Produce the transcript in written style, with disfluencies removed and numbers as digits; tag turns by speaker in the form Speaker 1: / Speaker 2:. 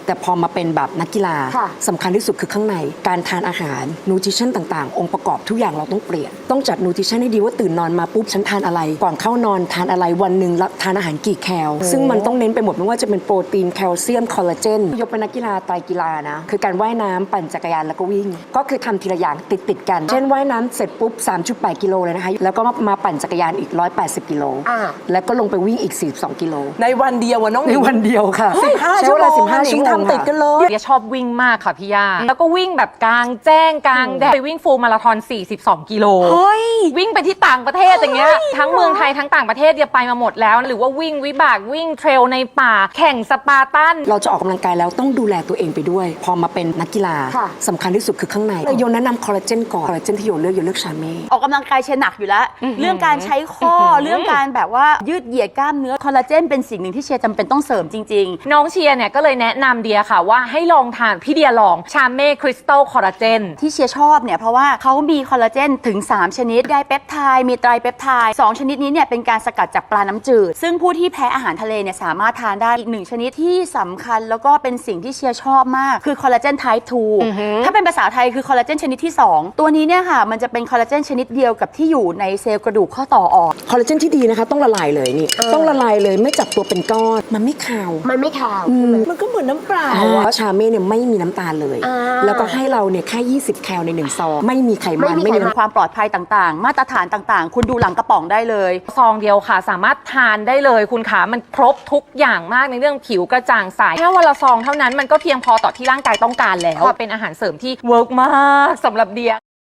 Speaker 1: แต่พอมาเป็นแบบนักกีฬาสำคัญที่สุดคือข้างในการทานอาหารนูทริชั่นต่างๆองค์ประกอบทุกอย่างเราต้องเปลี่ยนต้องจัดนูทริชั่นให้ดีว่าตื่นนอนมาปุ๊บฉันทานอะไรก่อนเข้านอนทานอะไรวันหนึ่งทานอาหารกี่แคลซึ่งมันต้องเน้นไปหมดไม่ว่าจะเป็นโปรตีนแคลเซียมคอลลาเจนยกเป็นนักกีฬาไตรกีฬานะคือการว่ายน้ำปั่นจักรยานแล้วก็วิ่งก็คือทำทีละอย่างติดกันเช่นว่ายน้ำเสร็จปุ๊บ 3.8 กิโลเลยนะคะแล้วก็มาปั่นจักรยานอีก180 กิโลแล้วก็ลงไปวิ่งอีก42 กิโล
Speaker 2: ในวันเดียวน้อง
Speaker 1: ในวันเดียวค่ะ
Speaker 2: 15 ชั่วโมง15 ชั่วโมงทำติดกันเลย
Speaker 3: เดียชอบวิ่งมากค่ะพี่ย่าแล้วก็วิ่งแบบกลางแจ้งกลางแดดไปวิ่งฟูลมาราธอน42 กิโลวิ่งไปที่ต่างประเทศอย่างเงี้ยทั้งเมืองไทยทั้งต่างประเทศเดียไปมาหมดแล้วหรือว่าวิ่งวิบากวิ่งเทรลในป่าแข่งสปาร์ตัน
Speaker 1: เราจะออกกำลังกายแล้วต้องดูแลตัวเองไปด้วยพอมาเป็นนักกีฬาสำคัญที่สุดคือข้างในโยนแนะนำคอลลาเจนก่อนคอลลาเจนที่โยเลือกชาเม่
Speaker 4: ออกกำลังกายเชนหนักอยู่แล้วเรื่องการใช้ข้อเรื่องการแบบว่ายืดเหยียดกล้ามเนื้อคอลลาเจนเป็นสิ่งหนึ่งที่เชียร์จำเป็นต้องเสริมจริง
Speaker 3: ๆน้องเชียร์เนี่ยก็เลยแนะนำเดียค่ะว่าให้ลองทานพี่เดียลองชาเม่คริสตัลคอลลาเจน
Speaker 4: ที่เชียร์ชอบเนี่ยเพราะว่าเขามีคอลลาเจนถึง3ชนิดไดเปปไทด์มีไตรเปปไทด์2ชนิดนี้เนี่ยเป็นการสกัดจากปลาน้ำจืดซึ่งผู้ที่แพ้อาหารทะเลเนี่ยสามารถทานได้อีก1ชนิดที่สำคัญแล้วก็เป็นสิ่งที่เชียร์ชอบมากคือคอลลาเจนไทป์2ถ้าเป็นภาษาไทยคือคอลลาเจนชนิดที่2ตัวนี้เนี่ยค่ะมันจะเป็นคอลลาเจนชนิดเดียวกับที่อยู่ในเซลล์กระดูกข้อต่ออ่อน
Speaker 1: คอลลาเจนที่ดีนะคะต้องละลายเลยนี่ต้องละลายเลยไม่จับตัวเป็นก้อนมันไม่คาว
Speaker 2: มันก็เหมือนน้ำเปล่า
Speaker 1: เพราะชาเม่เนี่ยไม่มีน้ำตาลเลยแล้วก็ให้เราเนี่ยแค่20 แคลใน1 ซองไม่มีไขมันไม่มี
Speaker 4: ความปลอดภัยต่างๆมาตรฐานต่างๆคุณดูหลังกระป๋องได้เลย
Speaker 3: ซองเดียวค่ะสามารถทานได้เลยคุณขามันครบทุกอย่างมากในเรื่องผิวกระจ่างใสแค่วันละซองเท่านั้นมันก็เพียงพอต่อที่ร่างกายต้องการแล้วเป็นอาหารเสริมที่เวิร์กมากสำหรับเดีย